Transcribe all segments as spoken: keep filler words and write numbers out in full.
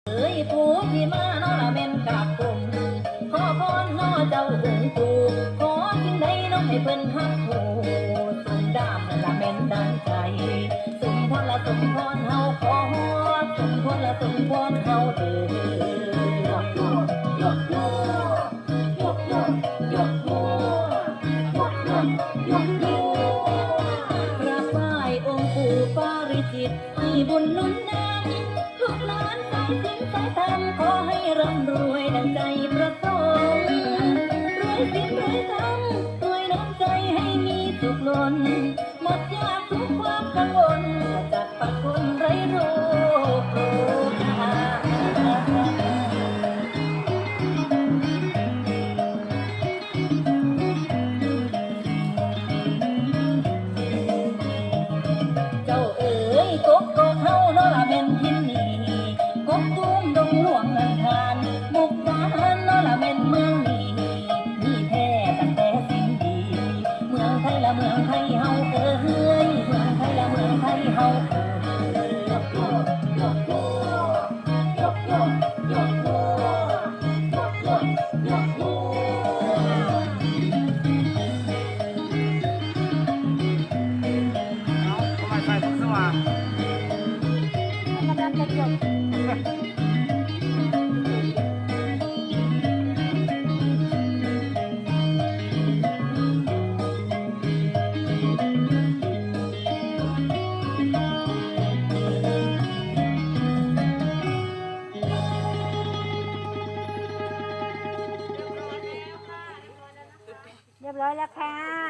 เอ้ยผู้ที่มาโนละเม่นกราบกลมขอพรน้อเจ้าองค์ปู่ขอสิ่งใดน้องให้เพิ่นฮักผู้สุนดามละเม่นดังใจสมพรละสมพรเฮาขอสมพรละสมพรเฮาเด้อยกโยยกโยยกโยยกโยยกโยยกโยกราบไหว้องค์ปู่ปาริจิตให้บุญหนุนนำลูกหลานสายสิญสายธรรมขอให้ร่ำรวยดังใจประสงค์รวยสินรวยธรรมรวยน้ำใจให้มีสุขล้นหมดยากทุกความกังวลจากปัดคนไร้โรคโรคาเจ้าเอ๋ยกกกเฮาโนละเม่นทินนี่กกตุ้มดงหลวงนันทานบุกบานโนละเม่นเมืองนี้มีแท้ตั้งแต่สิ่งดีเมืองไทยละเมืองไทยเฮาเอ๋ยเมืองไทยละเมืองไทยเฮาเอ๋ยยกโยยกโยยกโยยกโยยกโยยกโยทำไมใส่ทุกสว่างกำลังจะจบเรียบร้อยแล้วค่ะ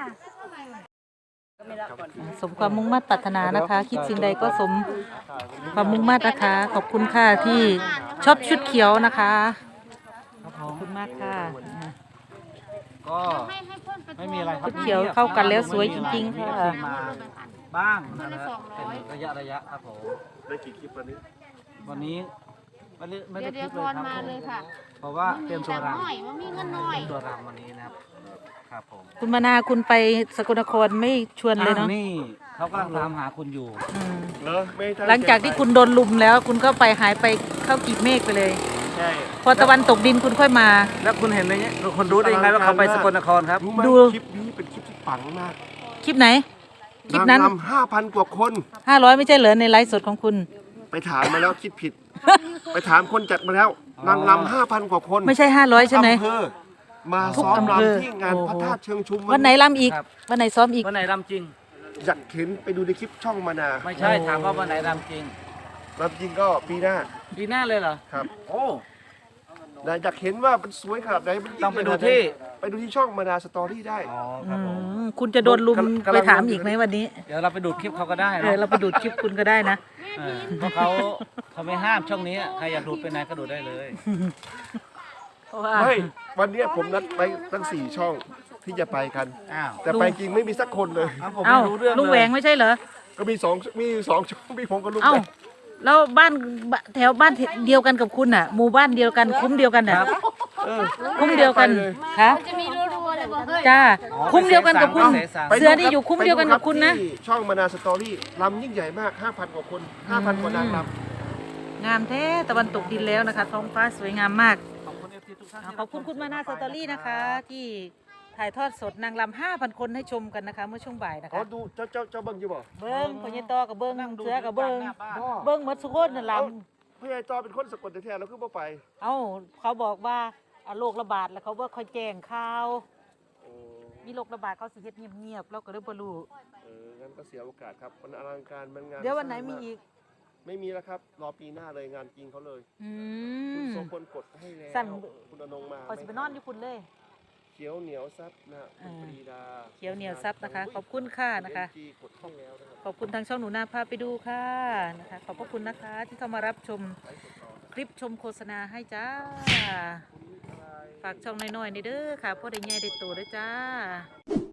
สมความมุ่งมั่นปรารถนานะคะ คิดสิ่งใดก็สมความมุ่งมั่นนะคะ ขอบคุณค่ะที่ชอบชุดเขียวนะคะขอบคุณมากค่ะก็ไม่มีอะไรครับชุดเขียวเข้ากันแล้วสวยจริงๆค่ะมาบ้างนะครับเป็นระยะระยะครับผมได้กี่คลิปวันนี้วันนี้ไม่ได้ไม่เดี๋ได้ยวคเดี๋ลิยวปพเลยครับรมาเลยค่ะเพราะว่าเตรียมตัวรหน่อยว่ามีเงินหน่อยำเตรียมตัวรำวันนี้นะครับครับผมคุณมานาคุณไปสกลนครไม่ชวนเลยเนาะอ้าวนี่เขากำลังตามหาคุณอยู่อืมเหรอไม่ตั้หลังจากที่คุณโดนลุมแล้ว คุณก็ไปหายไปเข้ากีบเมฆไปเลยใช่พอตะวันตกดินคุณค่อยมาแล้วคุณเห็นไหมเนี่ยคนรู้ได้ยังไงว่าเขาไปสกลนครครับรู้ไหมดูคลิปนี้เป็นคลิปที่ปังมากคลิปไหน คลิปนั้นนางรำห้าพันกว่าคนห้าร้อยไม่ใช่เหรอในไลฟ์สดของคุณไปถามมาแล้วคิดผิด ไปถามคนจัดมาแล้ว นางรำห้าพันกว่าคนไม่ใช่ห้าร้อยใช่ไหมอำเภอมาทุกซ้อมอำเภอรำที่งานโอ้โหพระธาตุเชิงชุมวันไหนรำอีกครับวันไหนซ้อมอีกวันไหนรำจริงอยากเห็นไปดูในคลิปช่องมานาไม่ใช่ถามว่าวันไหนรำจริงรำจริงก็ปีหน้าปีหน้าเลยเหรอครับโอ้แต่อยากเห็นว่ามันสวยขนาดไหนมันยิ่ต้องไปใหญ่ดูขนาหนที่ไปดูที่ช่องมานาสตอรี่ได้อ๋อครับผมอืมคุณจะโดนลุมกำลังไปถามอีกไหมวันนี้เดี๋ยวเราไปดูดคลิปเขาก็ได้เอนะอเราไปดูดคลิปคุณก็ได้นะเออเพราะเขาเขาไม่ห้ามช่องนี้ใครอยากดูดไปไหนก็ดูดได้เลยเพราะว่าไม่วันเนี้ยผมนัดไปตั้งสี่ช่องที่จะไปกันอ้าวแต่ไปจริงไม่มีสักคนเลยอ้าวผมเอ้าไม่รู้เรื่องลุงแหวงเลยไม่ใช่เหรอก็มีสองมีอยู่สองช่องมีผมกับลุงเอ้าแหวงแล้วบ้านแถวบ้านเดียวกันกับคุณน่ะ หมู่บ้านเดียวกันคุ้มเดียวกันน่ะเออคุ้มเดียวกันไปเลยค่ะจะมีรัวๆเลยบอกเฮ้ยจ้าคุ้มเดียวกันกับคุณเสสารไปเสือนี่อยู่คุ้มเดียวกันกับคุณนะไปดูรับที่ช่องมานาสตอรี่ลำยิ่งใหญ่มากห้าพันกว่าคนห้าพันกว่านางรำงามแท้ตะวันตกดินแล้วนะคะท้องฟ้าสวยงามมากขอบคุณเอฟซีทุกท่านขอบคุณคุณมานาสตอรี่นะคะ ที่ถ่ายทอดสดนางรำห้าพันคนให้ชมกันนะคะ เมื่อช่วงบ่ายนะอ๋อคะดูเจ้าเจ้าเจ้าเบิ้งอยู่บ่เบิ้งพญตอกับเบิ้งเสือกับเบิ้งพ่อเบิ้งหมดสุโคนน่ะลพี่ไอ้จอเป็นคนสกลแท้ๆแล้วคือบ่ไปำเอ้าเขาบอกว่าอ่ะโรคระบาดแล้วเขาว่าคอยแจ้งข่าวโอ้มีโรคระบาดเขาสิเฮ็ดเงียบๆเราก็เลยบ่รู้เอองั้นก็เสียโอกาสครับมันอลังการมันงานเดี๋ยววันไหนมีอีกไม่มีแล้วครับรอปีหน้าเลยงานจริงเขาเลยอืคุณมโสพลกดให้แล้วสั่นคุณอนงมาขอยสิไปนอนอยู่คุณเลยเขียวเหนียวซับนะคุณอ่าปรีดาเขียวเหนียวซับนะคะ ขอบคุณค่ะนะคะจีกดให้แล้วนะครับขอบคุณทางช่องหนูนาพาไปดูค่ะนะคะ ขอบพระคุณนะคะที่เข้ามารับชมคลิปชมโฆษณาให้จ้า ฝากช่องน้อยๆนี่เด้อค่ะพ่อได้ใหญ่ได้โตเด้อจ้า